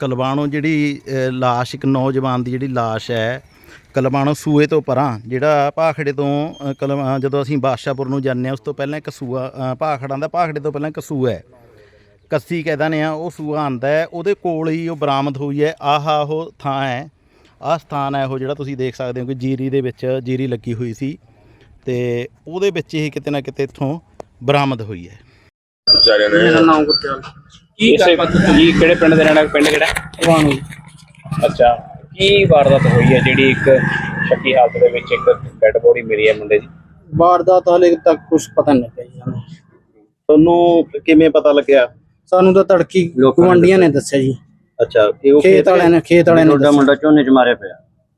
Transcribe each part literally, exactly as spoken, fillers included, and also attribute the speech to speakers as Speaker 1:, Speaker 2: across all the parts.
Speaker 1: ਕਲਵਾਣੋਂ ਜਿਹੜੀ ਲਾਸ਼ ਇੱਕ ਨੌਜਵਾਨ ਦੀ ਜਿਹੜੀ ਲਾਸ਼ ਹੈ ਕਲਵਾਣੋਂ ਸੂਏ ਤੋਂ ਪਰਾਂ ਜਿਹੜਾ ਭਾਖੜੇ ਤੋਂ ਕਲਵਾ ਜਦੋਂ ਅਸੀਂ ਬਾਦਸ਼ਾਹਪੁਰ ਨੂੰ ਜਾਂਦੇ ਹਾਂ ਉਸ ਤੋਂ ਪਹਿਲਾਂ ਇੱਕ ਸੂਆ ਭਾਖੜਾਂ ਦਾ ਭਾਖੜੇ ਤੋਂ ਪਹਿਲਾਂ ਇੱਕ ਸੂਆ ਹੈ ਕੱਸੀ ਕਹਿ ਦਿੰਦੇ ਆ ਉਹ ਸੂਆ ਆਉਂਦਾ ਹੈ ਉਹਦੇ ਕੋਲ ਹੀ ਉਹ ਬਰਾਮਦ ਹੋਈ ਹੈ। ਆਹ ਉਹ ਥਾਂ ਹੈ ਆਹ ਸਥਾਨ ਹੈ ਉਹ ਜਿਹੜਾ ਤੁਸੀਂ ਦੇਖ ਸਕਦੇ ਹੋ ਕਿ ਜੀਰੀ ਦੇ ਵਿੱਚ ਜੀਰੀ ਲੱਗੀ ਹੋਈ ਸੀ ਅਤੇ ਉਹਦੇ ਵਿੱਚ ਹੀ ਕਿਤੇ ਨਾ ਕਿਤੇ ਇੱਥੋਂ ਬਰਾਮਦ ਹੋਈ ਹੈ।
Speaker 2: ਮੇਰਾ ਨਾਮ ਗੁਰਚਰਨ ਕੀ ਜੀ ਕਿਹੜੇ ਪਿੰਡ ਦੇ ਰਹਿਣਾ ਪਿੰਡ ਕਿਹੜਾ ਵਾਣੂ। ਅੱਛਾ ਕੀ ਵਾਰਦਾਤ ਹੋਈ ਹੈ ਜਿਹੜੀ ਇੱਕ ਸ਼ੱਕੀ ਹਾਲਤ ਦੇ ਵਿੱਚ ਇੱਕ ਡੈਡ ਬੋਡੀ ਮਿਲੀ ਹੈ ਮੁੰਡੇ ਦੀ?
Speaker 3: ਵਾਰਦਾਤ ਹਾਲੇ ਤੱਕ ਕੁਝ ਪਤਾ ਨਹੀਂ ਲੱਗਿਆ ਜੀ ਸਾਨੂੰ।
Speaker 1: ਤੁਹਾਨੂੰ ਕਿਵੇਂ ਪਤਾ ਲੱਗਿਆ?
Speaker 3: ਸਾਨੂੰ ਤਾਂ ਤੜਕੀ ਗੁਆਂਢੀਆਂ ਨੇ ਦੱਸਿਆ ਜੀ।
Speaker 1: ਅੱਛਾ ਇਹ ਉਹ
Speaker 3: ਖੇਤ ਵਾਲਿਆਂ ਨੇ ਖੇਤ ਵਾਲਿਆਂ ਨੇ
Speaker 2: ਤੁਹਾਡਾ ਮੁੰਡਾ ਝੋਨੇ 'ਚ ਮਾਰਿਆ ਪਿਆ।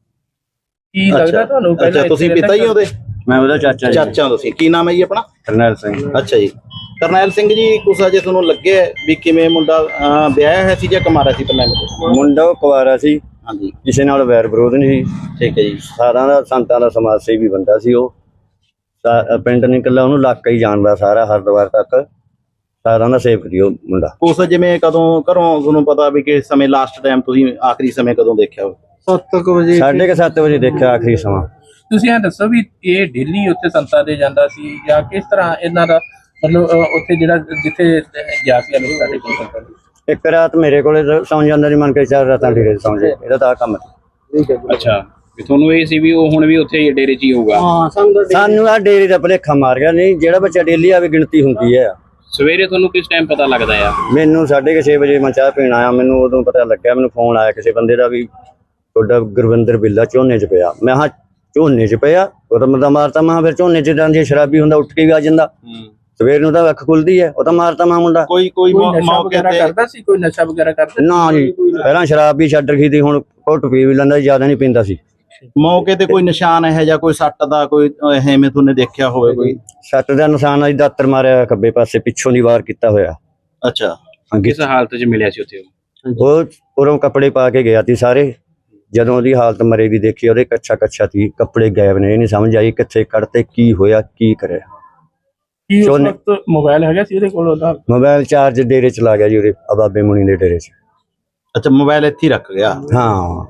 Speaker 2: ਕੀ ਲੱਗਦਾ ਤੁਹਾਨੂੰ?
Speaker 1: ਅੱਛਾ ਤੁਸੀਂ ਪਿਤਾ ਹੀ ਉਹਦੇ?
Speaker 2: ਮੈਂ ਉਹਦਾ ਚਾਚਾ ਜੀ।
Speaker 1: ਚਾਚਾ ਤੁਸੀਂ ਕੀ ਨਾਮ ਹੈ ਜੀ ਆਪਣਾ?
Speaker 2: ਕਰਨੈਲ ਸਿੰਘ।
Speaker 1: ਅੱਛਾ ਜੀ ਕਰਨੈਲ ਸਿੰਘ ਜੀ ਕੁਛ ਅਜੇ ਤੁਹਾਨੂੰ ਲੱਗਿਆ ਵੀ ਕਿਵੇਂ ਮੁੰਡਾ ਵਿਆਹਿਆ ਹੋਇਆ ਸੀ ਜਾਂ ਕੁਮਾਰਾ ਸੀ ਪਹਿਲਾਂ?
Speaker 2: ਮੁੰਡਾ ਉਹ ਕੁਵਾਰਾ ਸੀ।
Speaker 1: ਹਾਂਜੀ
Speaker 2: ਕਿਸੇ ਨਾਲ ਵੈਰ ਵਿਰੋਧ ਨਹੀਂ ਸੀ।
Speaker 1: ਠੀਕ ਹੈ ਜੀ।
Speaker 2: ਸਾਰਿਆਂ ਦਾ ਸੰਤਾਂ ਦਾ ਸਮਾਜ ਸੇਵੀ ਬੰਦਾ ਸੀ ਉਹ। ਪਿੰਡ ਨਹੀਂ ਇਕੱਲਾ ਉਹਨੂੰ ਇਲਾਕਾ ਹੀ ਜਾਣਦਾ ਸਾਰਾ ਹਰਿਦੁਆਰ ਤੱਕ ਸਾਰਿਆਂ ਦਾ ਸੇਵਕ ਸੀ ਉਹ ਮੁੰਡਾ।
Speaker 1: ਉਸ ਜਿਵੇਂ ਕਦੋਂ ਘਰੋਂ ਤੁਹਾਨੂੰ ਪਤਾ ਵੀ ਕਿ ਸਮੇਂ ਲਾਸਟ ਟਾਈਮ ਤੁਸੀਂ ਆਖਰੀ ਸਮੇਂ ਕਦੋਂ ਦੇਖਿਆ?
Speaker 3: ਸੱਤ ਕੁ ਵਜੇ
Speaker 2: ਸਾਢੇ ਕੁ ਸੱਤ ਵਜੇ ਦੇਖਿਆ ਆਖਰੀ ਸਮਾਂ।
Speaker 4: ਤੁਸੀਂ ਇਹ ਦੱਸੋ ਵੀ ਇਹ ਡੇਲੀ ਉੱਥੇ ਸੰਤਾਂ ਦੇ ਜਾਂਦਾ ਸੀ ਜਾਂ ਕਿਸ ਤਰ੍ਹਾਂ ਇਹਨਾਂ ਦਾ ਮਤਲਬ ਉੱਥੇ ਜਿਹੜਾ ਜਿੱਥੇ ਗਿਆ ਸੀ ਅਮਿਤ ਸਾਡੇ ਕੋਲ?
Speaker 2: ਇੱਕ ਰਾਤ ਮੇਰੇ ਕੋਲੇ ਸੌਂ ਜਾਂਦਾ ਸੀ ਮੰਨ ਕੇ ਚਾਰ ਰਾਤਾਂ ਡੇਰੇ ਸੌਂ ਜੇ ਇਹਦਾ ਤਾਂ ਕੰਮ।
Speaker 4: ਅੱਛਾ ਵੀ ਤੁਹਾਨੂੰ ਇਹ ਸੀ ਵੀ ਉਹ ਹੁਣ ਵੀ ਉੱਥੇ ਡੇਰੇ 'ਚ ਹੀ ਹੋਊਗਾ?
Speaker 3: ਹਾਂ
Speaker 2: ਸਾਨੂੰ ਆ ਡੇਰੇ ਦਾ ਭੁਲੇਖਾ ਮਾਰ ਗਿਆ। ਨਹੀਂ ਜਿਹੜਾ ਬੱਚਾ ਡੇਲੀ ਆਵੇ ਗਿਣਤੀ ਹੁੰਦੀ ਹੈ।
Speaker 4: ਸਵੇਰੇ ਤੁਹਾਨੂੰ ਕਿਸ ਟਾਈਮ ਪਤਾ ਲੱਗਦਾ ਆ?
Speaker 2: ਮੈਨੂੰ ਸਾਢੇ ਕੁ ਛੇ ਵਜੇ ਮੈਂ ਚਾਹ ਪੀਣ ਆਇਆ ਮੈਨੂੰ ਉਦੋਂ ਪਤਾ ਲੱਗਿਆ। ਮੈਨੂੰ ਫੋਨ ਆਇਆ ਕਿਸੇ ਬੰਦੇ ਦਾ ਵੀ ਤੁਹਾਡਾ ਗੁਰਵਿੰਦਰ ਬਿੱਲਾ ਝੋਨੇ 'ਚ ਪਿਆ। ਮੈਂ ਹਾਂ ਝੋਨੇ 'ਚ ਪਿਆ ਉਹ ਤਾਂ ਮਰਦਾ ਮਾਰਤਾ। ਮੈਂ ਫਿਰ ਝੋਨੇ 'ਚ ਜਾਂਦੀ ਸ਼ਰਾਬੀ ਹੁੰਦਾ ਉੱਠ ਕੇ ਵੀ ਆ ਜਾਂਦਾ। ਸਵੇਰ ਨੂੰ ਤਾਂ ਅੱਖ ਖੁੱਲਦੀ ਹੈ ਉਹ ਤਾਂ ਮਾਰਤਾ ਮੈਂ ਮੁੰਡਾ।
Speaker 1: ਕੋਈ ਕੋਈ
Speaker 4: ਮੌਕੇ ਤੇ ਕਰਦਾ ਸੀ? ਕੋਈ ਨਸ਼ਾ ਵਗੈਰਾ ਕਰਦਾ?
Speaker 2: ਨਾ ਜੀ ਪਹਿਲਾਂ ਸ਼ਰਾਬ ਵੀ ਛੱਡ ਰਖੀ ਸੀ ਹੁਣ ਘੁੱਟ ਪੀ ਵੀ ਲੈਂਦਾ ਜ਼ਿਆਦਾ ਨਹੀਂ ਪੀਂਦਾ ਸੀ।
Speaker 1: ਮੌਕੇ ਤੇ ਕੋਈ ਨਿਸ਼ਾਨ ਹੈ ਜਾਂ ਕੋਈ ਸੱਟ ਦਾ ਕੋਈ ਐਵੇਂ ਤੁਹਾਨੂੰ ਦੇਖਿਆ ਹੋਵੇ? ਕੋਈ
Speaker 2: ਸੱਟ ਦਾ ਨਿਸ਼ਾਨ ਅਜ ਦਾਤਰ ਮਾਰਿਆ ਖੱਬੇ ਪਾਸੇ ਪਿੱਛੋਂ ਦੀ ਵਾਰ ਕੀਤਾ ਹੋਇਆ।
Speaker 1: ਅੱਛਾ
Speaker 4: ਕਿਸ ਹਾਲਤ 'ਚ ਮਿਲਿਆ ਸੀ ਉੱਥੇ?
Speaker 2: ਉਹ ਉਰੋਂ ਕੱਪੜੇ ਪਾ ਕੇ ਗਿਆ ਸੀ ਸਾਰੇ। ਜਦੋਂ ਉਹਦੀ ਹਾਲਤ ਮਰੇ ਦੀ ਦੇਖੀ ਉਹਦੇ ਕੱਛਾ ਕੱਛਾ ਸੀ ਕੱਪੜੇ ਗਾਇਬ ਨੇ। ਇਹ ਨਹੀਂ ਸਮਝ ਆਈ ਕਿੱਥੇ ਕੱਢਤੇ ਕੀ ਹੋਇਆ ਕੀ ਕਰਿਆ।
Speaker 4: ਕੀ ਉਸ ਵਕਤ ਮੋਬਾਈਲ ਹੈਗਾ ਸੀ ਉਹਦੇ ਕੋਲ? ਉਹਦਾ
Speaker 2: ਮੋਬਾਈਲ ਚਾਰਜ ਡੇਰੇ ਚ ਲਾ ਗਿਆ ਜੀ ਉਹਦੇ ਬਾਬੇ ਮੁਨੀ ਦੇ ਡੇਰੇ ਚ।
Speaker 1: ਅੱਛਾ ਮੋਬਾਈਲ ਇੱਥੇ ਹੀ ਰੱਖ ਗਿਆ?
Speaker 2: ਹਾਂ।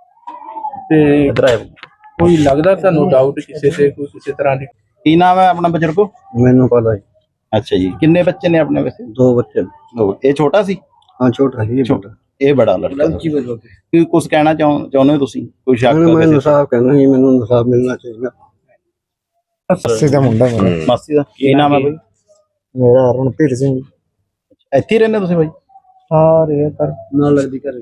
Speaker 4: ਤੇ ਕੋਈ ਲੱਗਦਾ ਤੁਹਾਨੂੰ ਡਾਊਟ ਕਿਸੇ ਤੇ ਕੋਈ ਕਿਸੇ ਤਰ੍ਹਾਂ ਦੀ?
Speaker 1: ਕੀ ਨਾਮ ਹੈ ਆਪਣਾ ਬਜ਼ੁਰਗੋ?
Speaker 2: ਮੈਨੂੰ ਪਤਾ ਜੀ।
Speaker 1: ਅੱਛਾ ਜੀ ਕਿੰਨੇ ਬੱਚੇ ਨੇ ਆਪਣੇ? ਵੈਸੇ
Speaker 2: ਦੋ ਬੱਚੇ।
Speaker 1: ਇਹ ਛੋਟਾ ਸੀ?
Speaker 2: ਹਾਂ ਛੋਟਾ ਸੀ। ਛੋਟਾ
Speaker 1: ਇਹ ਬੜਾ ਲੜਕਾ। ਕੀ ਕੁਝ ਕਹਿਣਾ ਚਾਹੁੰਦੇ ਹੋ ਤੁਸੀਂ? ਕੋਈ ਸ਼ੱਕ?
Speaker 2: ਮੈਂ ਇਨਸਾਫ ਕਹਿਣਾ ਜੀ ਮੈਨੂੰ ਇਨਸਾਫ ਮਿਲਣਾ ਚਾਹੀਦਾ।
Speaker 3: ਮਾਸੀ ਦਾ ਮੁੰਡਾ ਮੇਰਾ।
Speaker 1: ਮਾਸੀ ਦਾ ਕੀ ਨਾਮ ਹੈ ਬਾਈ?
Speaker 3: ਮੇਰਾ ਰਣਪੀਰ ਸਿੰਘ।
Speaker 1: ਇੱਥੇ ਹੀ ਰਹਿੰਦੇ ਤੁਸੀਂ ਬਾਈ?
Speaker 3: ਹਾਂ ਰੇ ਕਰ ਨਾਲ ਲੱਗਦੀ ਘਰ।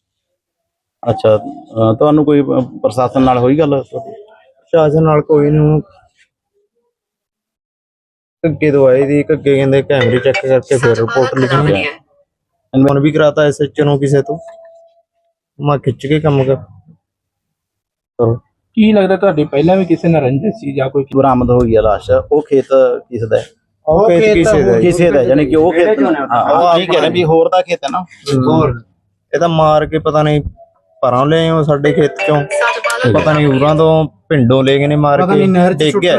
Speaker 1: ਅੱਛਾ ਤੁਹਾਨੂੰ ਕੋਈ ਪ੍ਰਸ਼ਾਸਨ ਨਾਲ ਹੋਈ ਗੱਲ?
Speaker 3: ਪ੍ਰਸ਼ਾਸਨ ਨਾਲ ਕੋਈ ਨਹੀਂ। ਘੱਗੇ ਤੋਂ ਆਏ ਦੀ ਘੱਗੇ ਕਹਿੰਦੇ ਕੈਮਰੇ ਚੈੱਕ ਕਰਕੇ ਫਿਰ ਰਿਪੋਰਟ ਲਿਖਣੀ ਹੈ। ਫੋਨ ਵੀ ਕਰਾਤਾ ਐਸ ਐਚ ਓ ਨੂੰ ਕਿਸੇ ਤੋਂ। ਮੈਂ ਖਿੱਚ ਕੇ ਕੰਮ ਕਰ ਕਰੋ।
Speaker 4: ਕੀ ਲੱਗਦਾ ਤੁਹਾਡੀ ਪਹਿਲਾਂ ਵੀ ਕਿਸੇ ਨਾਲ ਰੰਜਿਸ਼ ਸੀ ਜਾਂ ਕੋਈ?
Speaker 1: ਬਰਾਮਦ ਹੋਈ ਹੈ ਲਾਸ਼। ਉਹ ਖੇਤ ਕਿਸ ਦਾ ਹੈ?
Speaker 3: ਉਹ ਖੇਤ ਕਿਸੇ ਦਾ
Speaker 1: ਕਿਸੇ ਦਾ ਯਾਨੀ ਕਿ ਉਹ ਖੇਤ ਹਾਂ ਠੀਕ ਹੈ ਵੀ ਹੋਰ ਦਾ ਖੇਤ ਹੈ ਨਾ?
Speaker 3: ਹੋਰ ਇਹ ਤਾਂ ਮਾਰ ਕੇ ਪਤਾ ਨਹੀਂ ਪਰਾਂ ਲੈ ਆਏ ਸਾਡੇ ਖੇਤ ਚੋਂ। ਪਤਾ ਨਹੀਂ ਉਰਾਂ ਤੋਂ ਪਿੰਡੋਂ ਲੈ ਗਏ ਨੇ ਮਾਰ ਕੇ ਡਿੱਗ ਗਿਆ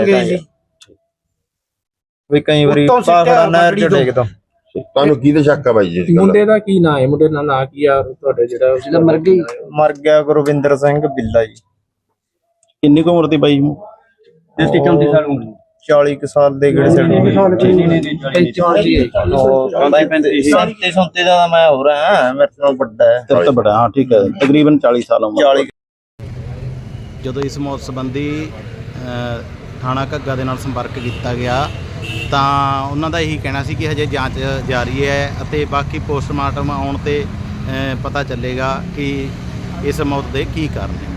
Speaker 3: ਵੀ ਕਈ ਵਾਰੀ ਪਾਖੜਾ ਨਹਿਰ ਚ ਡਿੱਗਦਾ।
Speaker 5: ਤੁਹਾਨੂੰ ਕੀ ਤੇ ਸ਼ੱਕ ਆ ਬਾਈ ਜੀ?
Speaker 4: ਮੁੰਡੇ ਦਾ ਕੀ ਨਾਂ ਹੈ? ਮੁੰਡੇ ਦਾ ਨਾਂ ਕੀ ਆ ਤੁਹਾਡੇ ਜਿਹੜਾ
Speaker 3: ਜਿਹਦਾ ਮਰ ਗਈ? ਮਰ ਗਿਆ ਗੁਰਵਿੰਦਰ ਸਿੰਘ ਬਿੱਲਾ ਜੀ।
Speaker 1: ਕਿੰਨੀ ਕੁ ਉਮਰ ਦੀ ਬਾਈ?
Speaker 4: ਚੌਂਤੀ ਸਾਲ ਉਮਰ।
Speaker 3: ਚਾਲੀ ਕੁ ਸਾਲ ਦੇ ਗੇੜੇ ਸੰਤੇ ਸੰਤੇ ਦਾ ਮੈਂ ਹੋ ਰਿਹਾ ਮੇਰੇ ਤੋਂ ਵੱਡਾ ਹੈ।
Speaker 1: ਤੇਰੇ ਤੋਂ ਬੜਾ? ਹਾਂ ਠੀਕ ਹੈ ਤਕਰੀਬਨ ਚਾਲੀ ਸਾਲ ਉਮਰ। ਜਦੋਂ ਇਸ ਮੌਤ ਸੰਬੰਧੀ ਥਾਣਾ ਘੱਗਾ ਦੇ ਨਾਲ ਸੰਪਰਕ ਕੀਤਾ ਗਿਆ ਤਾਂ ਉਹਨਾਂ ਦਾ ਇਹੀ ਕਹਿਣਾ ਸੀ ਕਿ ਹਜੇ ਜਾਂਚ ਜਾਰੀ ਹੈ ਅਤੇ ਬਾਕੀ ਪੋਸਟਮਾਰਟਮ ਆਉਣ 'ਤੇ ਪਤਾ ਚੱਲੇਗਾ ਕਿ ਇਸ ਮੌਤ ਦੇ ਕੀ ਕਾਰਨ ਹੈ।